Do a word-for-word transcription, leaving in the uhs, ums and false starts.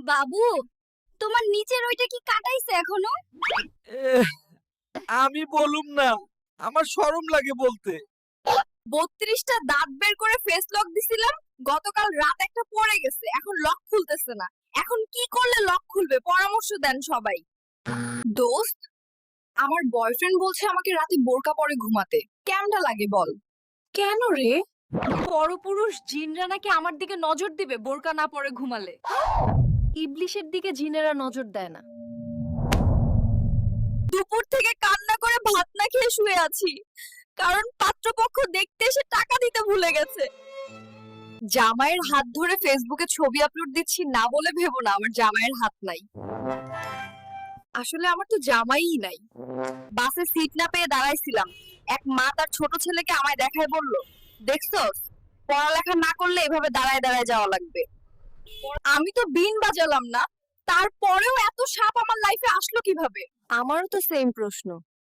বাবু, তোমার নিচের ওইটা কি কাটাইছে এখনো? এহ, আমি বলুম না, আমার শরম লাগে বলতে। বত্রিশটা দাঁত বের করে ফেস লক দিছিলাম, গতকাল রাত একটা পড়ে গেছে, এখন লক খুলতেছে না। এখন কি করলে লক খুলবে পরামর্শ দেন সবাই। দোস্ত, আমার বয়ফ্রেন্ড বলছে আমাকে রাতে বোরকা পরে ঘুমাতে, কেমনটা লাগে বল? কেন রে? পরপুরুষ জিনরা নাকি আমার দিকে নজর দিবে বোরকা না পরে ঘুমালে। ইবলিশের দিকে জিনেরা নজর দেয় না। দুপুর থেকে কান্না করে ভাত না খেয়ে শুয়ে আছি, কারণ পাত্রপক্ষ দেখতে এসে টাকা দিতে ভুলে গেছে। জামাইয়ের হাত ধরে ফেসবুকে ছবি আপলোড দিচ্ছি না বলে ভেবো না আমার জামাইয়ের হাত নাই। আসলে আমার তো জামাইই নাই। বাসে সিট না পেয়ে দাঁড়াইছিলাম, এক মা তার ছোট ছেলেকে আমায় দেখায় বলল, দেখছস, পড়ালেখা না করলে এভাবে দাঁড়ায় দাঁড়ায় যাওয়া লাগবে। আমি তো বিন বাজালাম না, তারপরেও এত সাপ আমার লাইফে আসলো কিভাবে? আমারও তো সেম প্রশ্ন।